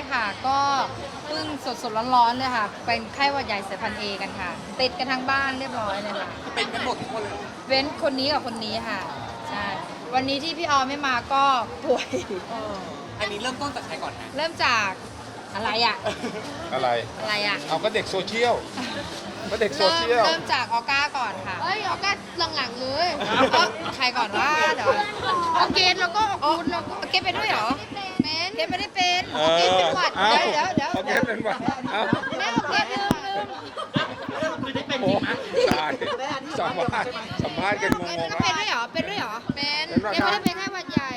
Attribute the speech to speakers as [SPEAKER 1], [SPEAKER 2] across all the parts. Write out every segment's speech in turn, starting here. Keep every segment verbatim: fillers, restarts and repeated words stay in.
[SPEAKER 1] ค่ะก็เพิ่งสดๆร้อนๆเลยค่ะเป็นไข้หวัดใหญ่สายพันธุ์เอกันค่ะติดกันทั้งบ้านเรียบร้อยเลยค่ะ
[SPEAKER 2] เป็นกันหมดทุกคนเลย
[SPEAKER 1] เว้นคนนี้กับคนนี้ค่ะใช่วันนี้ที่พี่ออไม่มาก็ป่วย
[SPEAKER 2] อันนี้เริ่มต้นจากใครก่อนนะ
[SPEAKER 1] เริ่มจากอะไรอะ
[SPEAKER 3] อะไร
[SPEAKER 1] อะไรอะ
[SPEAKER 3] เอาก็เด็กโซเชียลก็เด็กโซ
[SPEAKER 1] เริ่ม
[SPEAKER 3] เชียล
[SPEAKER 1] เริ่มจากออก้าก่อนค่ะ
[SPEAKER 4] เอ้ยเอาก็หลังๆเลย
[SPEAKER 1] เอ้าใครก่อนว่าเดี๋ยว
[SPEAKER 4] เอาเกณฑ์แล้วก็เอาคุณแล้วก็
[SPEAKER 1] เก็บไปด้วยเหรอ
[SPEAKER 4] เมน
[SPEAKER 1] เก็บไม่ได้เป็น
[SPEAKER 3] เออ
[SPEAKER 1] เก็บเป็นหวัด
[SPEAKER 3] เอา
[SPEAKER 1] เดี๋ยวเดี๋ยว
[SPEAKER 3] เอา
[SPEAKER 1] เดี๋ยว
[SPEAKER 3] เก็บเป็นหวัดเอา
[SPEAKER 1] แม่เอาเก็บลืมลืม
[SPEAKER 3] โอ้ตายสัมภาษณ์สัมภาษณ์กันง
[SPEAKER 1] เก็บ
[SPEAKER 3] ง
[SPEAKER 1] ก็
[SPEAKER 3] ๆ
[SPEAKER 1] เป็น
[SPEAKER 3] ว่า
[SPEAKER 1] ด้วยเหรอเป็นด้วยเหรอ
[SPEAKER 4] เป็น
[SPEAKER 3] เป็นหวัด
[SPEAKER 1] เก็บไม่ได้เป็นแค่หวัดใหญ่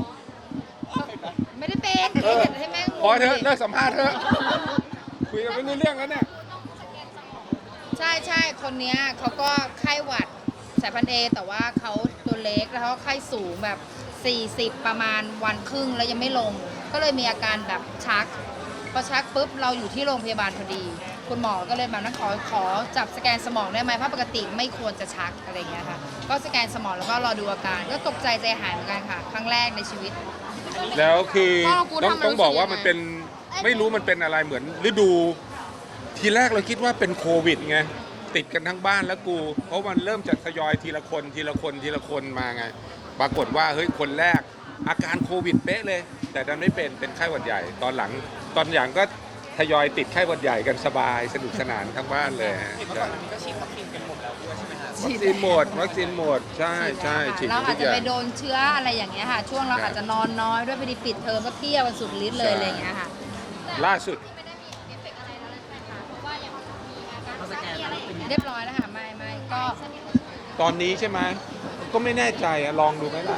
[SPEAKER 1] ไม่ได้เป็น
[SPEAKER 3] เออ
[SPEAKER 1] ให้แม่ง
[SPEAKER 3] พอเถอะเลิกสัมภาษณ์เถอะคุยกันไม่รู้เรื่องแล้วเนี่ย
[SPEAKER 1] ใช่ใช่คนเนี้ยเขาก็ไข้หวัดสายพันธุ์เอแต่ว่าเขาตัวเล็กแล้วเขาไข้สูงแบบ 40 ประมาณวันครึ่งแล้วยังไม่ลง ก็เลยมีอาการแบบชักพอชักปุ๊บเราอยู่ที่โรงพยาบาลพอดี คุณหมอก็เลยแบบนั้นขอขอจับสแกนสมองได้ไหมเพราะปกติไม่ควรจะชักอะไรอย่างเงี้ยค่ะก็สแกนสมองแล้วก็รอดูอาการก็ตกใจใจหายเหมือนกันค่ะ ครั้งแรกในชีวิต
[SPEAKER 3] แล้วคือต้องต้องบอกว่ามันเป็นไม่รู้มันเป็นอะไรเหมือนฤดู ทีแรกเราคิดว่าเป็นโควิดไงติดกันทั้งบ้านแล้วกู เพราะมันเริ่มจากทยอยทีละคนทีละคนทีละคนมาไง ปรากฏว่าเฮ้ยคนแรกอาการโควิดเป๊ะเลย แต่ดันไม่เป็นเป็นไข้หวัดใหญ่ ตอนหลังตอนหลังก็ทยอยติดไข้หวัดใหญ่กันสบายสนุกสนานทั้งบ้านเลยฮะ
[SPEAKER 2] เห็นว่าก่อนอันนี้ก็ฉีดวัคซีนกันหมดแล้วด้วยใช่ไหมฮะ
[SPEAKER 3] วัคซีนหมดวัคซีนหมดใช่ใช่ฉีด
[SPEAKER 1] เรา
[SPEAKER 3] ทุ
[SPEAKER 1] อาจ
[SPEAKER 3] ก
[SPEAKER 1] จะ
[SPEAKER 3] อย่า
[SPEAKER 1] ไป
[SPEAKER 3] ง
[SPEAKER 1] โดนเชื้ออะไรอย่างเงี้ยค่ะ ช่วงเราอาจจะนอนน้อยด้วยไปดีปิดเทอมก็เที่ยวกันสุดฤทธิ์เลยอะไรอย่างเงี้ยค่ะ
[SPEAKER 3] ล่าสุด
[SPEAKER 1] เรียบร้อยแล้วค่ะไม่ไม่ก็
[SPEAKER 3] ตอนนี้ใช่ไหมก็ไม่แน่ใจอะลองดูไหมล่ะ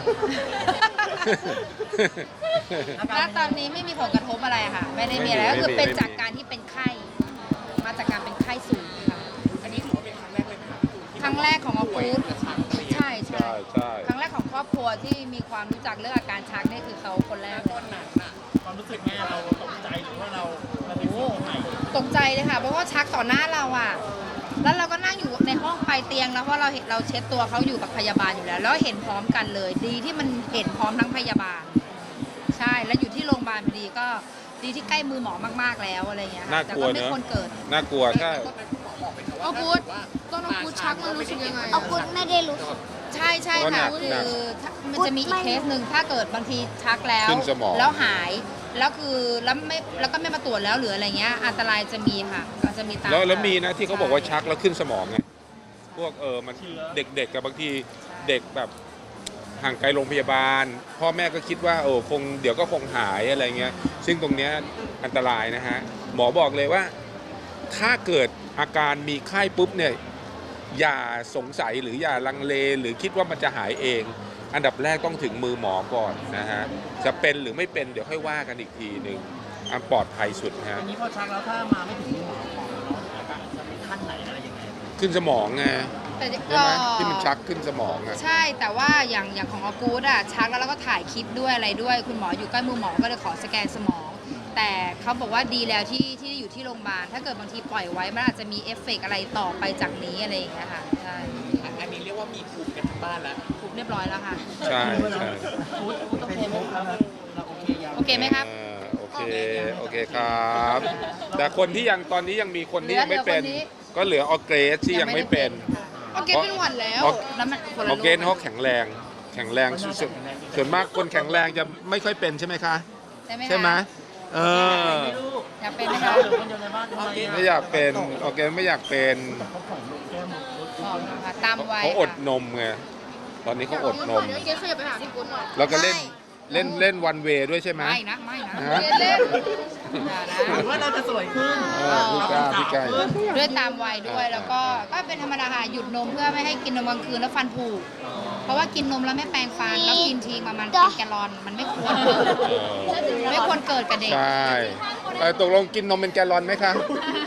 [SPEAKER 1] ณตอนนี้ไม่มีผลกระทบอะไรค่ะ ไม่ได้มีอะไร
[SPEAKER 3] ไม่
[SPEAKER 1] ก็
[SPEAKER 3] มี
[SPEAKER 1] คือเป็น
[SPEAKER 3] ไม่มี
[SPEAKER 1] จากการที่เป็นไข้มาจากการเป็นไข้สูงค่ะ
[SPEAKER 2] อันนี้ถือว่าเป็นครั้งแรกเลยไหมครับพี่ตูนที่
[SPEAKER 1] ครั้งแรกของออ
[SPEAKER 2] ป่วย
[SPEAKER 1] กูด
[SPEAKER 2] กระชับอะไรอย่างเงี้ย
[SPEAKER 1] ใช่ใช่
[SPEAKER 3] ใช่ใช่
[SPEAKER 1] ครั้งแรกของครอบครัวที่มีความรู้จักเรื่องอาการชักนี่คือเขาคนแรกเลย
[SPEAKER 2] ต้นนั้นน่ะ
[SPEAKER 5] ความรู้สึกแม่เราตกใจหรือว่าเราเราเป็นสิ่งใหม่
[SPEAKER 1] ตกใจเลยค่ะเพราะว่าชักต่อหน้าเราอ่ะแล้วเราก็นั่งอยู่ในห้องปลายเตียงแล้วเพราะเราเห็นเราเช็ดตัวเขาอยู่กับพยาบาลอยู่แล้ว แล้วเห็นพร้อมกันเลย ดีที่มันเห็นพร้อมทั้งพยาบาล ใช่แล้วอยู่ที่โรงพยาบาลพอดีก็ดีที่ใกล้มือหมอมากๆแล้วอะไรเงี้ยค่ะ
[SPEAKER 3] น่า
[SPEAKER 1] แต่
[SPEAKER 3] กลัว
[SPEAKER 1] ก็ไม่
[SPEAKER 3] เนอะ
[SPEAKER 1] ควรเกิด
[SPEAKER 3] น่ากลัวใช่
[SPEAKER 2] ต้นนั้นคุณหมอบอกไหมครับว่า
[SPEAKER 4] เอากูดตอนเอากูดชักมันรู้สึกยังไง
[SPEAKER 6] เอาคุณไม่ได้รู้สึก
[SPEAKER 1] ใช่ใช่
[SPEAKER 3] ก็หนั
[SPEAKER 1] ค่ะ
[SPEAKER 3] ก
[SPEAKER 1] คื
[SPEAKER 3] หนัก
[SPEAKER 1] อถ้ามันจะมีอีกเคสหนึ่งถ้าเกิดบางทีชักแล้ว
[SPEAKER 3] ขึ้นสมอง
[SPEAKER 1] แล้วหายแล้วคือแล้วไม่แล้วก็ไม่มาตรวจแล้วหรืออะไรเงี้ยอันตรายจะมีค่ะก็จะมีตาม
[SPEAKER 3] แล้วแล้วมีนะที่เขาบอกว่าชักแล้วขึ้นสมองไงพวกเออมันเด็กๆกับบางทีเด็กแบบห่างไกลโรงพยาบาล พ่อแม่ก็คิดว่าโอ้คงเดี๋ยวก็คงหายอะไรเงี้ยซึ่งตรงเนี้ยอันตรายนะฮะหมอบอกเลยว่า ถ้าเกิดอาการมีไข้ปุ๊บเนี่ยอย่าสงสัยหรืออย่าลังเลหรือคิดว่ามันจะหายเอง อันดับแรกต้องถึงมือหมอก่อนนะฮะจะเป็นหรือไม่เป็นเดี๋ยวค่อยว่ากันอีกทีหนึ่งอันปลอดภัยสุดนะฮะ
[SPEAKER 5] อันนี้พอชักแล้วถ้ามาไม่ถึงหมอของเราอาการจะเป็นขั้นไหนอะไรยังไง
[SPEAKER 3] ขึ้นสมองไง
[SPEAKER 1] แต่
[SPEAKER 3] ใช่
[SPEAKER 1] ก็
[SPEAKER 3] ไหมที่มันชักขึ้นสมองอะ
[SPEAKER 1] ใช่แต่ว่าอย่างอย่างของออกูดอะชักแล้วเราก็ถ่ายคลิปด้วยอะไรด้วย คุณหมออยู่ใกล้มือหมอก็เลยขอสแกนสมอง แต่เขาบอกว่าดีแล้วที่ที่อยู่ที่โรงพยาบาลถ้าเกิดบางทีปล่อยไว้มันอาจจะมีเอฟเฟกต์อะไรต่อไปจากนี้อะไรอย่างเงี้ยค่ะใช่
[SPEAKER 2] อันนี้เรียกว่ามีภูมิกันทั้งบ้านแล้ว
[SPEAKER 1] ถูกเรียบร้อยแล้วค่ะ
[SPEAKER 3] ใช่ใช่
[SPEAKER 5] พูดพูดต้องโพสแล้วเราโอเคยัง
[SPEAKER 1] โอเคไหมครับ
[SPEAKER 3] อ่าโอเคโอเคครับ แต่คนที่ยังตอนนี้ยังมีคนที่ยังไม่เป็น
[SPEAKER 1] เหลือคนนี้
[SPEAKER 3] ก็เหลือออร์เกรสที่ยังไม่เป็น
[SPEAKER 4] เอาเกณฑ์เป็นหวัดแล้ว
[SPEAKER 3] ออ
[SPEAKER 1] แล้วมันคน
[SPEAKER 3] อ
[SPEAKER 1] ละ
[SPEAKER 3] อร์เกรสเขาแข็งแรงแข็งแรงส่วนส่วนมากคนแข็งแรงจะไม่ค่อยเป็นใช่ไหมคะ
[SPEAKER 1] ใช่ไหมคะ
[SPEAKER 3] ใช่ไหมเออ
[SPEAKER 1] อยากเป็นไหมคะ
[SPEAKER 5] เหลือคนเดียวในบ้านทำไม
[SPEAKER 3] ไม่อยากเป็นออร์เกรสไม่อยากเป็น
[SPEAKER 5] เขาของลูกแก้มหมด
[SPEAKER 1] บอกนะคะตามไว้
[SPEAKER 3] เขาอด
[SPEAKER 1] ค่ะ
[SPEAKER 3] นมไงตอนนี้เขาอดนม
[SPEAKER 4] เดี๋ยวเกณฑ์ขยับไปหาพี่กูดหน่อย
[SPEAKER 3] แล้วก็เล่นเล่นเล่นวันเวด้วยใช่ไหม
[SPEAKER 1] ไม่นะไม่นะ
[SPEAKER 3] ฮะ
[SPEAKER 4] เกณฑ์เล่น
[SPEAKER 1] อย่านะ
[SPEAKER 5] หรือว่าเราจะสวยขึ้น
[SPEAKER 3] เออพี่กล้าพี่กล้า
[SPEAKER 1] ด้วยตามวัยด้วยแล้วก็ก็เป็นธรรมดาค่ะหยุดนมเพื่อไม่ให้กินนมกลางคืนแล้วฟันผุเพราะว่ากินนมแล้วไม่แปรงฟันแล้วกินทีประมาณเป็นแกลลอนมันไม่ควร
[SPEAKER 3] เออ
[SPEAKER 1] ไม่ควรเกิดกับเด็ก
[SPEAKER 3] ใช่เออตกลงกินนมเป็นแกลลอนไหมคะ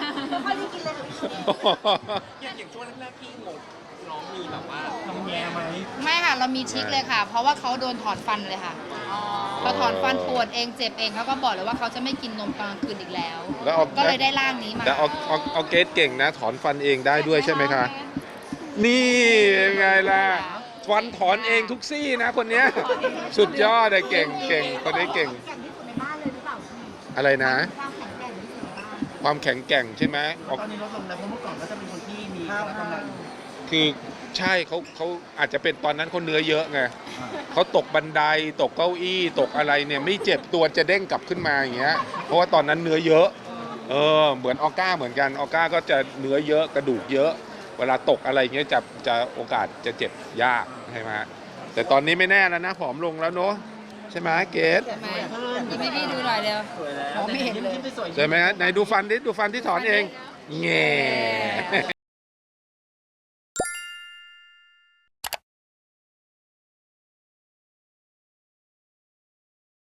[SPEAKER 2] อย่างอย่างช่วงแรกๆที่งดน้องมีแบบว่า
[SPEAKER 5] ทำแย่ไหม
[SPEAKER 1] ไม่ค่ะเรามีทริคเลยค่ะ เพราะว่าเขาโดนถอนฟันเลยค่ะพอถอนฟันปวดเองเจ็บเองเขาก็บอกเลยว่าเขาจะไม่กินนมตอนกลางคืนอีกแล้ว
[SPEAKER 3] แล้วเอา
[SPEAKER 1] ก็เลยได้ร่างนี้มา
[SPEAKER 3] แต่เอาเอาเอาเกสเก่งนะ ถอนฟันเองได้ด้วยใช่ไหมคะ นี่ไงล่ะฟันถอนเองทุกซี่นะคนเนี้ยสุดยอดเลยเก่งเก่งคนนี้เก่ง
[SPEAKER 6] แก่งที่สุดในบ้านเลยหรือเปล่า
[SPEAKER 3] อะไรนะ ความแข็งแกร่งใช่ไหมออก
[SPEAKER 5] ตอนนี้ลดลงแล้วเพราะเมื่อก่อนก็จะเป็นคนที่มีพละกำลัง
[SPEAKER 3] คือใช่เขาเขาอาจจะเป็นตอนนั้นเขาเนื้อเยอะไงเขาตกบันไดตกเก้าอี้ตกอะไรเนี่ยไม่เจ็บตัวจะเด้งกลับขึ้นมาอย่างเงี้ยเพราะว่าตอนนั้นเนื้อเยอะเออเหมือนออก้าเหมือนกันออก้าก็จะเนื้อเยอะกระดูกเยอะ เวลาตกอะไรเงี้ยจะจะโอกาสจะเจ็บยากใช่ไหมแต่ตอนนี้ไม่แน่แล้วนะผอมลงแล้วเนาะใช่ไหมเกส
[SPEAKER 1] ใช่ไหมยิ้มให้พี่ดูหน่อยเร็ว
[SPEAKER 5] สวยแล้ว
[SPEAKER 1] มองไม่เห็นเลย
[SPEAKER 5] ยิ้มๆสวยๆ
[SPEAKER 3] ใช่ไหมฮะไหนดูฟันดิดูฟันที่ถอนเองแง่